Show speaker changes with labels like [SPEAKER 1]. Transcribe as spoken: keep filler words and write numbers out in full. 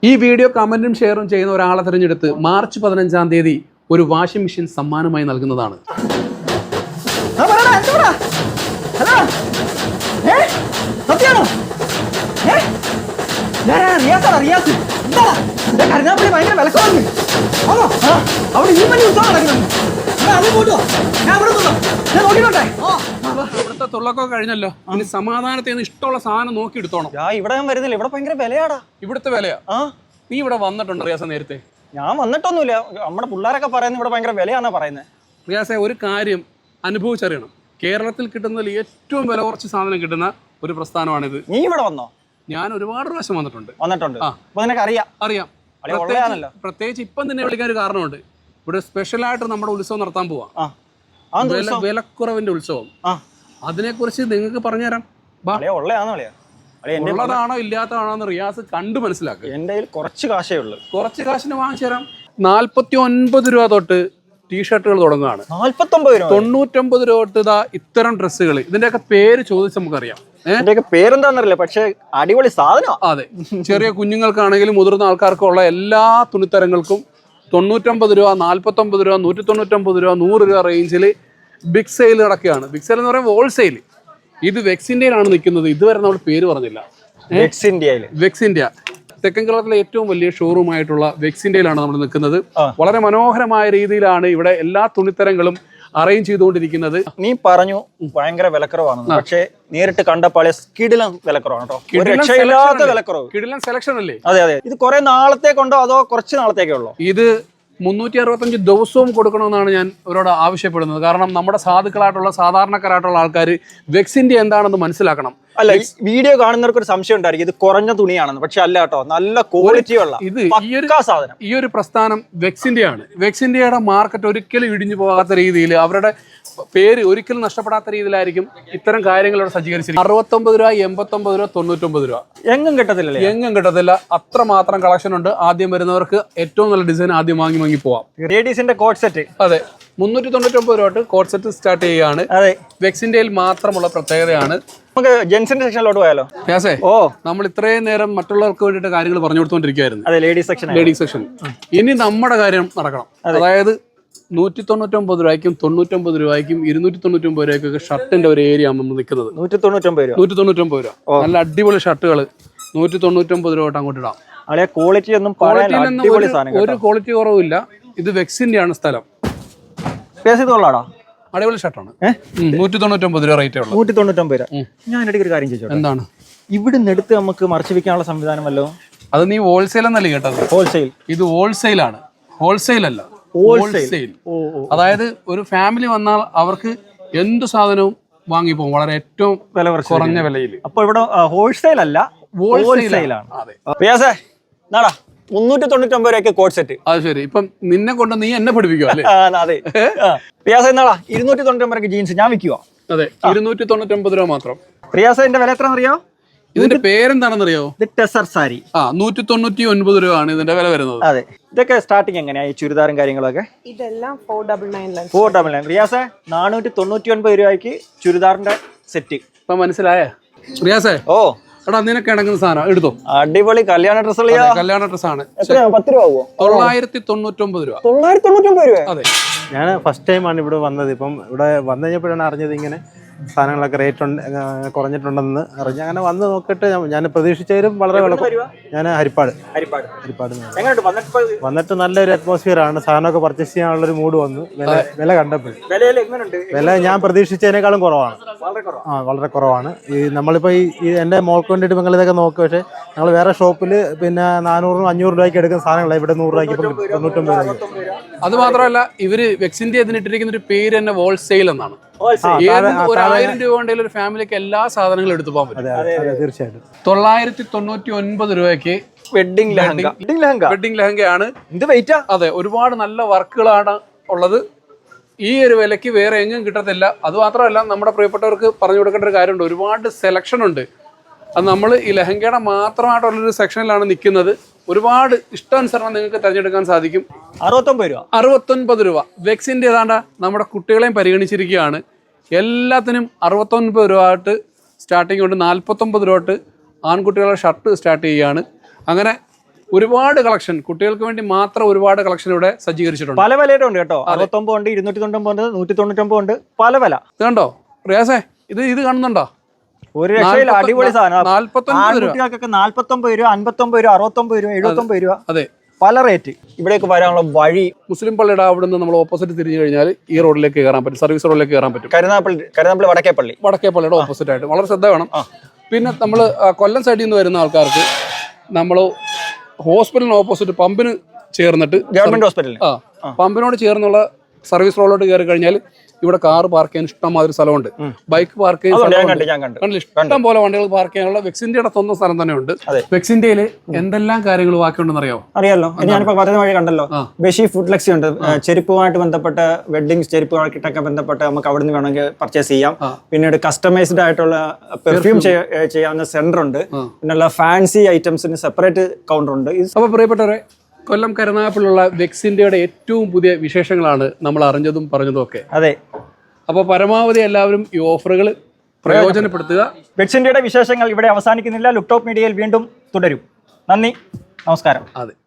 [SPEAKER 1] ഈ വീഡിയോ കമന്റും ഷെയറും ചെയ്യുന്ന ഒരാളെ തിരഞ്ഞെടുത്ത് മാർച്ച് പതിനഞ്ചാം തീയതി ഒരു വാഷിംഗ് മെഷീൻ സമ്മാനമായി നൽകുന്നതാണ്. ഇവിടുത്തെ തുള്ളൊക്കെ കഴിഞ്ഞല്ലോ. ഇനി സമാധാനത്തിൽ ഇഷ്ടമുള്ള സാധനം നോക്കി എടുത്തോണം.
[SPEAKER 2] ഇവിടെ ഞാൻ വരുന്നില്ല, ഇവിടെ ഭയങ്കര വിലയാടാ.
[SPEAKER 1] ഇവിടുത്തെ വിലയാ? നീ ഇവിടെ വന്നിട്ടുണ്ടോ റിയാസ നേരത്തെ?
[SPEAKER 2] ഞാൻ വന്നിട്ടൊന്നുമില്ല, നമ്മുടെ പിള്ളേരൊക്കെ പറയുന്നത് ഇവിടെ ഭയങ്കര വിലയാണെന്നാ പറയുന്നത്.
[SPEAKER 1] റിയാസെ, ഒരു കാര്യം അനുഭവിച്ചറിയണം. കേരളത്തിൽ കിട്ടുന്നതിൽ ഏറ്റവും വില കുറച്ച് സാധനം കിട്ടുന്ന ഒരു പ്രസ്ഥാനമാണിത്.
[SPEAKER 2] നീ ഇവിടെ വന്നോ?
[SPEAKER 1] ഞാൻ ഒരുപാട് പ്രാവശ്യം വന്നിട്ടുണ്ട്.
[SPEAKER 2] വന്നിട്ടുണ്ട് അറിയാം
[SPEAKER 1] അറിയാം പ്രത്യേകിച്ച് ഇപ്പം തന്നെ വിളിക്കാൻ ഒരു കാരണമുണ്ട്. ഇവിടെ സ്പെഷ്യലായിട്ട് നമ്മുടെ ഉത്സവം നടത്താൻ പോവാം. വിലക്കുറവിന്റെ ഉത്സവം. അതിനെക്കുറിച്ച് നിങ്ങൾക്ക് പറഞ്ഞുതരാം. ഉള്ളതാണോ ഇല്ലാത്തതാണോ എന്ന് റിയാസ് കണ്ടു മനസ്സിലാക്കുക.
[SPEAKER 2] എന്റെ കയ്യിൽ കുറച്ച് കാശേ ഉള്ളൂ.
[SPEAKER 1] കുറച്ച് കാശിന് വാങ്ങിച്ചു തരാം. നാല്പത്തി ഒൻപത് രൂപ തൊട്ട് ടീഷർട്ടുകൾ തുടങ്ങുകയാണ്. തൊണ്ണൂറ്റൊമ്പത് രൂപ തൊട്ട് ഇതാ ഇത്തരം ഡ്രസ്സുകൾ. ഇതിന്റെയൊക്കെ പേര് ചോദിച്ച് നമുക്കറിയാം.
[SPEAKER 2] പേരെന്താന്നറിയില്ല, പക്ഷെ അടിപൊളി സാധനം.
[SPEAKER 1] അതെ, ചെറിയ കുഞ്ഞുങ്ങൾക്കാണെങ്കിലും മുതിർന്ന ആൾക്കാർക്കും ഉള്ള എല്ലാ തുണിത്തരങ്ങൾക്കും തൊണ്ണൂറ്റൊമ്പത് രൂപ, നാല്പത്തൊമ്പത് രൂപ, നൂറ്റി തൊണ്ണൂറ്റൊമ്പത് രൂപ, നൂറ് രൂപ റേഞ്ചിൽ ബിഗ് സെയിൽ നടക്കുകയാണ്. ബിഗ് സെയിൽ എന്ന് പറയുമ്പോൾ ഹോൾസെയിൽ. ഇത് വെക്സ് ഇന്ത്യയിലാണ് നിൽക്കുന്നത്. ഇതുവരെ നമ്മൾ പേര് പറഞ്ഞില്ല.
[SPEAKER 2] വെക്സ് ഇന്ത്യയിൽ
[SPEAKER 1] വെക്സ് ഇന്ത്യ തെക്കൻ കേരളത്തിലെ ഏറ്റവും വലിയ ഷോറൂം ആയിട്ടുള്ള വെക്സ് ഇന്ത്യയിലാണ് നമ്മൾ നിൽക്കുന്നത്. വളരെ മനോഹരമായ രീതിയിലാണ് ഇവിടെ എല്ലാ തുണിത്തരങ്ങളും അറേഞ്ച് ചെയ്തുകൊണ്ടിരിക്കുന്നത്.
[SPEAKER 2] നീ പറഞ്ഞു ഭയങ്കര വിലക്കുറവാണ്, പക്ഷേ നേരിട്ട് കണ്ടപ്പോൾ കിടിലൻ വിലക്കുറവാണ് കേട്ടോ. വിലക്കുറവ്,
[SPEAKER 1] കിടിലൻ സെലക്ഷൻ അല്ലേ?
[SPEAKER 2] അതെ അതെ. ഇത് കുറെ നാളത്തേക്കുണ്ടോ അതോ കുറച്ച് നാളത്തേക്കേ ഉള്ളൂ?
[SPEAKER 1] ഇത് മുന്നൂറ്റി അറുപത്തഞ്ച് ദിവസവും കൊടുക്കണമെന്നാണ് ഞാൻ അവരോട് ആവശ്യപ്പെടുന്നത്. കാരണം നമ്മുടെ സാധുക്കളായിട്ടുള്ള സാധാരണക്കാരായിട്ടുള്ള ആൾക്കാർ വെക്സ് ഇന്ത്യ എന്താണെന്ന് മനസ്സിലാക്കണം.
[SPEAKER 2] അല്ല, വീഡിയോ കാണുന്നവർക്ക് ഒരു സംശയം ഉണ്ടായിരിക്കും ഇത് കുറഞ്ഞ തുണിയാണെന്ന്. പക്ഷെ അല്ല കേട്ടോ, നല്ല ക്വാളിറ്റി ഉള്ള
[SPEAKER 1] ഇത് ഈ ഒരു സാധനം. ഈ ഒരു പ്രസ്ഥാനം വെക്സ് ഇന്ത്യയാണ്. വെക്സ് ഇന്ത്യയുടെ മാർക്കറ്റ് ഒരിക്കലും ഇടിഞ്ഞു പോകാത്ത രീതിയിൽ, അവരുടെ പേര് ഒരിക്കലും നഷ്ടപ്പെടാത്ത രീതിയിലായിരിക്കും ഇത്തരം കാര്യങ്ങൾ ഇവിടെ സജ്ജീകരിച്ചിരിക്കുന്നത്. അറുപത്തൊമ്പത് രൂപ, എൺപത്തൊമ്പത് രൂപ, തൊണ്ണൂറ്റൊമ്പത് രൂപ.
[SPEAKER 2] എങ്ങും കിട്ടത്തില്ല,
[SPEAKER 1] എങ്ങും കിട്ടത്തില്ല. അത്രമാത്രം കളക്ഷൻ ഉണ്ട്. ആദ്യം വരുന്നവർക്ക് ഏറ്റവും നല്ല ഡിസൈൻ ആദ്യം വാങ്ങി വാങ്ങി പോവാം.
[SPEAKER 2] ലേഡീസിന്റെ കോട്ട് സെറ്റ്
[SPEAKER 1] അതെ, മുന്നൂറ്റി തൊണ്ണൂറ്റൊമ്പത് രൂപ തൊട്ട് കോട്ട് സെറ്റ് സ്റ്റാർട്ട് ചെയ്യുകയാണ്.
[SPEAKER 2] അതെ,
[SPEAKER 1] വെക്സ് ഇന്ത്യയിൽ മാത്രമുള്ള പ്രത്യേകതയാണ്.
[SPEAKER 2] നമുക്ക് ജെൻസിന്റെ സെക്ഷനിലോട്ട് പോയാലോ?
[SPEAKER 1] ഓ, നമ്മൾ ഇത്രയും നേരം മറ്റുള്ളവർക്ക് വേണ്ടിയിട്ട് കാര്യങ്ങൾ പറഞ്ഞു കൊടുത്തോണ്ടിരിക്കുകയായിരുന്നു.
[SPEAKER 2] അതെ, ലേഡീസ് സെക്ഷൻ.
[SPEAKER 1] Ladies section. ഇനി നമ്മുടെ കാര്യം നടക്കണം. അതായത് നൂറ്റി തൊണ്ണൂറ്റൊമ്പത് രൂപയ്ക്കും തൊണ്ണൂറ്റൊമ്പത് രൂപയ്ക്കും ഇരുന്നൂറ്റി തൊണ്ണൂറ്റൊമ്പത് രൂപയ്ക്കൊക്കെ ഷർട്ടിന്റെ ഒരു ഏരിയ നമ്മൾ നിൽക്കുന്നത്.
[SPEAKER 2] നൂറ്റി തൊണ്ണൂറ്റൊമ്പത് രൂപ
[SPEAKER 1] നൂറ്റി തൊണ്ണൂറ്റൊമ്പത് രൂപ നല്ല അടിപൊളി ഷർട്ടുകൾ നൂറ്റി തൊണ്ണൂറ്റൊമ്പത് രൂപ അങ്ങോട്ട് ഇടാം.
[SPEAKER 2] ക്വാളിറ്റി ഒന്നും
[SPEAKER 1] ഒരു ക്വാളിറ്റി കുറവില്ല. ഇത് വെക്സിന്റെ ആണ് സ്ഥലം. അടിപൊളി ഷർട്ടാണ്. നൂറ്റി തൊണ്ണൂറ്റൊമ്പത് രൂപ റേറ്റ് ഉള്ളൂ.
[SPEAKER 2] നൂറ്റി തൊണ്ണൂറ്റൊമ്പത് രൂപ. ഞാൻ ഇടയ്ക്ക് ഒരു കാര്യം ചോദിച്ചോട്ടെ? എന്താണ് ഇവിടുന്ന് എടുത്ത് നമുക്ക് മറച്ചു വെക്കാനുള്ള സംവിധാനമല്ലോ?
[SPEAKER 1] അത് നീ ഹോൾസെയിൽ എന്നല്ലേ കേട്ടത്?
[SPEAKER 2] ഹോൾസെയിൽ.
[SPEAKER 1] ഇത് ഹോൾസെയിൽ ആണ്, ഹോൾസെയിൽ അല്ല. ഹോൾസെയിൽ. അതായത് ഒരു ഫാമിലി വന്നാൽ അവർക്ക് എന്ത് സാധനവും വാങ്ങിപ്പോകും വളരെ ഏറ്റവും വില കുറഞ്ഞ വിലയിൽ.
[SPEAKER 2] അപ്പൊ ഇവിടെ ഹോൾസെയിൽ അല്ല, ഹോൾസെയിൽ ആണ്. അതെ, മുന്നൂറ്റി തൊണ്ണൂറ്റൊമ്പത് രൂപയ്ക്ക് കോട്ട് സെറ്റ്.
[SPEAKER 1] അത് ശരി. ഇപ്പം നിന്നെ കൊണ്ട് നീ എന്നെ പഠിപ്പിക്കുക അല്ലേ?
[SPEAKER 2] അതെ. പ്രിയാസ എന്നാളാ ഇരുന്നൂറ്റി തൊണ്ണൂറ്റൊമ്പത് രൂപയ്ക്ക് ജീൻസ് ഞാൻ വിൽക്കുക.
[SPEAKER 1] അതെ, ഇരുന്നൂറ്റി തൊണ്ണൂറ്റൊമ്പത് രൂപ മാത്രം.
[SPEAKER 2] പ്രിയാസന്റെ വില എത്ര അറിയോ?
[SPEAKER 1] ഇതിന്റെ പേരെന്താണെന്നറിയോ?
[SPEAKER 2] ടെസർ സാരി.
[SPEAKER 1] ആ, നൂറ്റി തൊണ്ണൂറ്റി ഒൻപത് രൂപ ആണ് ഇതിന്റെ വില വരുന്നത്.
[SPEAKER 2] അതെ. ഇതൊക്കെ സ്റ്റാർട്ടിങ് എങ്ങനെയാ ഈ ചുരിദാറും കാര്യങ്ങളൊക്കെ?
[SPEAKER 3] ഇതെല്ലാം four double nine
[SPEAKER 2] four double nine റിയാസെ നാനൂറ്റി തൊണ്ണൂറ്റി ഒൻപത് രൂപയ്ക്ക് ചുരിദാറിന്റെ സെറ്റ്.
[SPEAKER 1] ഇപ്പൊ മനസ്സിലായ റിയാസെ? ഓ എടാ, നിനക്ക് ഇണങ്ങുന്ന സാധനം എടുത്തോ.
[SPEAKER 2] അടിപൊളി കല്യാണ ഡ്രസ്.
[SPEAKER 1] കല്യാണ ഡ്രസ് ആണ്.
[SPEAKER 2] പത്ത് രൂപ ആവുമോ?
[SPEAKER 1] തൊള്ളായിരത്തി തൊണ്ണൂറ്റൊമ്പത് രൂപ.
[SPEAKER 2] തൊള്ളായിരത്തി തൊണ്ണൂറ്റൊമ്പത് രൂപ.
[SPEAKER 1] അതെ.
[SPEAKER 4] ഞാൻ ഫസ്റ്റ് ടൈമാണ് ഇവിടെ വന്നത്. ഇപ്പം ഇവിടെ വന്നു കഴിഞ്ഞപ്പോഴാണ് അറിഞ്ഞത് ഇങ്ങനെ സാധനങ്ങളൊക്കെ റേറ്റ് കുറഞ്ഞിട്ടുണ്ടെന്ന് അറിഞ്ഞ് അങ്ങനെ വന്ന് നോക്കിയിട്ട് ഞാൻ പ്രതീക്ഷിച്ചതിലും വളരെ വില. ഞാൻ ഹരിപ്പാട് ഹരിപ്പാട് ഹരിപ്പാട് വന്നിട്ട് നല്ലൊരു അറ്റ്മോസ്ഫിയർ ആണ്. സാധനമൊക്കെ പർച്ചേസ് ചെയ്യാനുള്ളൊരു മൂഡ് വന്നു. വില വില കണ്ടപ്പോൾ വില ഞാൻ പ്രതീക്ഷിച്ചതിനേക്കാളും കുറവാണ്. ആ, വളരെ കുറവാണ്. ഈ നമ്മളിപ്പോൾ ഈ എൻ്റെ മോൾക്ക് വേണ്ടിയിട്ട് നിങ്ങൾ ഇതൊക്കെ നോക്കുക. പക്ഷേ ഞങ്ങൾ വേറെ ഷോപ്പിൽ പിന്നെ നാനൂറും അഞ്ഞൂറ് രൂപയ്ക്ക് എടുക്കുന്ന സാധനങ്ങളാണ് ഇവിടെ നൂറ് രൂപയ്ക്ക് ഇപ്പം തൊണ്ണൂറ്റൊമ്പത് രൂപയ്ക്ക്.
[SPEAKER 1] അത് മാത്രമല്ല, ഇവര് വെക്സ് ഇന്ത്യ ഇതിനിട്ടിരിക്കുന്ന ഒരു പേര് തന്നെ ഹോൾസെയിൽ എന്നാണ്. ആയിരം രൂപ ഉണ്ടെങ്കിൽ ഒരു ഫാമിലിക്ക് എല്ലാ സാധനങ്ങളും എടുത്തു പോകാൻ പറ്റും.
[SPEAKER 4] തീർച്ചയായിട്ടും.
[SPEAKER 1] തൊള്ളായിരത്തി തൊണ്ണൂറ്റി ഒൻപത് രൂപയ്ക്ക്
[SPEAKER 2] വെഡിങ് ലെഹങ്ക.
[SPEAKER 1] വെഡിങ് ലെഹങ്കയാണ്. അതെ, ഒരുപാട് നല്ല വർക്കുകളാണ് ഉള്ളത്. ഈ ഒരു വിലയ്ക്ക് വേറെ എങ്ങും കിട്ടത്തില്ല. അത് മാത്രമല്ല, നമ്മുടെ പ്രിയപ്പെട്ടവർക്ക് പറഞ്ഞു കൊടുക്കേണ്ട ഒരു കാര്യമുണ്ട്. ഒരുപാട് സെലക്ഷൻ ഉണ്ട്. അത് നമ്മൾ ഈ ലെഹങ്കയുടെ മാത്രമായിട്ടുള്ളൊരു സെക്ഷനിലാണ് നിൽക്കുന്നത്. ഒരുപാട് ഇഷ്ടാനുസരണം നിങ്ങൾക്ക് തിരഞ്ഞെടുക്കാൻ സാധിക്കും.
[SPEAKER 2] അറുപത്തൊമ്പത് രൂപ
[SPEAKER 1] അറുപത്തൊൻപത് രൂപ വെക്സിന്റെ ഏതാണ്ട് നമ്മുടെ കുട്ടികളെയും പരിഗണിച്ചിരിക്കുകയാണ്. എല്ലാത്തിനും അറുപത്തൊൻപത് രൂപ തൊട്ട് സ്റ്റാർട്ടിങ് കൊണ്ട് നാൽപ്പത്തൊമ്പത് രൂപ തൊട്ട് ആൺകുട്ടികളുടെ ഷർട്ട് സ്റ്റാർട്ട് ചെയ്യുകയാണ്. അങ്ങനെ ഒരുപാട് കളക്ഷൻ കുട്ടികൾക്ക് വേണ്ടി മാത്രം ഒരുപാട് കളക്ഷൻ ഇവിടെ സജ്ജീകരിച്ചിട്ടുണ്ട്.
[SPEAKER 2] പല വിലയുടെ ഉണ്ട് കേട്ടോ. അറുപത്തൊമ്പത് ഉണ്ട്, ഇരുന്നൂറ്റി തൊണ്ണൂറ്റൊമ്പത് ഉണ്ട്, നൂറ്റി തൊണ്ണൂറ്റൊമ്പത് ഉണ്ട്, പല വില.
[SPEAKER 1] ഇത് കണ്ടോ റിയാസേ, ഇത് ഇത് കാണുന്നുണ്ടോ?
[SPEAKER 2] ഒരു രക്ഷയില്ല, അടിപൊളി സാധനം.
[SPEAKER 1] നാല്പത്തൊൻപത് രൂപ
[SPEAKER 2] കുട്ടികൾക്കൊക്കെ നാല്പത്തൊമ്പത് രൂപ, അൻപത്തൊമ്പത് രൂപ, അറുപത്തൊമ്പത് രൂപ, എഴുപത്തൊമ്പത് രൂപ,
[SPEAKER 1] അതെ,
[SPEAKER 2] പല റേറ്റ്. ഇവിടേക്ക് വരാനുള്ള വഴി
[SPEAKER 1] മുസ്ലിം പള്ളിയുടെ അവിടെ നിന്ന് നമ്മൾ ഓപ്പോസിറ്റ് തിരിഞ്ഞു കഴിഞ്ഞാൽ ഈ റോഡിലേക്ക് കയറാൻ പറ്റും, സർവീസ് റോഡിലേക്ക് കയറാൻ പറ്റും.
[SPEAKER 2] കരുനാപ്പള്ളി കരുനാപ്പള്ളി വടക്കേപ്പള്ളി
[SPEAKER 1] വടക്കേ പള്ളിയുടെ ഓപ്പോസിറ്റ് ആയിട്ട് വളരെ ശ്രദ്ധ വേണം. പിന്നെ നമ്മൾ കൊല്ലം സൈഡിൽ നിന്ന് വരുന്ന ആൾക്കാർക്ക് നമ്മൾ ഹോസ്പിറ്റലിന് ഓപ്പോസിറ്റ് പമ്പിന് ചേർന്നിട്ട്
[SPEAKER 2] ഗവൺമെന്റ് ഹോസ്പിറ്റലിൽ
[SPEAKER 1] ആ പമ്പിനോട് ചേർന്നുള്ള സർവീസ് റോഡിലോട്ട് കയറി കഴിഞ്ഞാൽ ഇവിടെ കാർ പാർക്ക് ചെയ്യാൻ ഇഷ്ടംമാതിരി സ്ഥലമുണ്ട്, ബൈക്ക് പാർക്ക് ചെയ്യാൻ കണ്ടില്ല, ഇഷ്ടം പോലെ വണ്ടികൾ പാർക്ക് ചെയ്യാനുള്ള വെക്സിന്ത്യയുടെ സ്വന്തം സ്ഥലം തന്നെ ഉണ്ട്. വെക്സിന്ത്യയിൽ എന്തെല്ലാം കാര്യങ്ങൾ ബാക്കിയുണ്ടെന്ന് അറിയാമോ?
[SPEAKER 2] അറിയാലോ, ഞാനിപ്പോ പറഞ്ഞ വഴി കണ്ടല്ലോ. ബഷി ഫുഡ് ലെക്സി ഉണ്ട്, ചെരുപ്പുമായിട്ട് ബന്ധപ്പെട്ട വെഡിങ് ചെരുപ്പുമായിട്ടൊക്കെ ബന്ധപ്പെട്ട് നമുക്ക് അവിടെ നിന്ന് വേണമെങ്കിൽ പർച്ചേസ് ചെയ്യാം. പിന്നീട് കസ്റ്റമൈസ്ഡ് ആയിട്ടുള്ള പെർഫ്യൂം ചെയ്യാവുന്ന സെന്റർ ഉണ്ട്. പിന്നെ ഫാൻസി ഐറ്റംസിന് സെപ്പറേറ്റ് കൗണ്ടർ ഉണ്ട്.
[SPEAKER 1] അപ്പൊ പ്രിയപ്പെട്ടവരെ, കൊല്ലം കരുനാഗപ്പള്ളിയുള്ള വെക്സിന്ത്യയുടെ ഏറ്റവും പുതിയ വിശേഷങ്ങളാണ് നമ്മൾ അറിഞ്ഞതും പറഞ്ഞതും ഒക്കെ.
[SPEAKER 2] അതെ,
[SPEAKER 1] അപ്പോൾ പരമാവധി എല്ലാവരും ഈ ഓഫറുകൾ പ്രയോജനപ്പെടുത്തുക.
[SPEAKER 2] വെക്സിന്ത്യയുടെ വിശേഷങ്ങൾ ഇവിടെ അവസാനിക്കുന്നില്ല. ലുക്ടോപ്പ് മീഡിയയിൽ വീണ്ടും തുടരും. നന്ദി, നമസ്കാരം.
[SPEAKER 1] അതെ.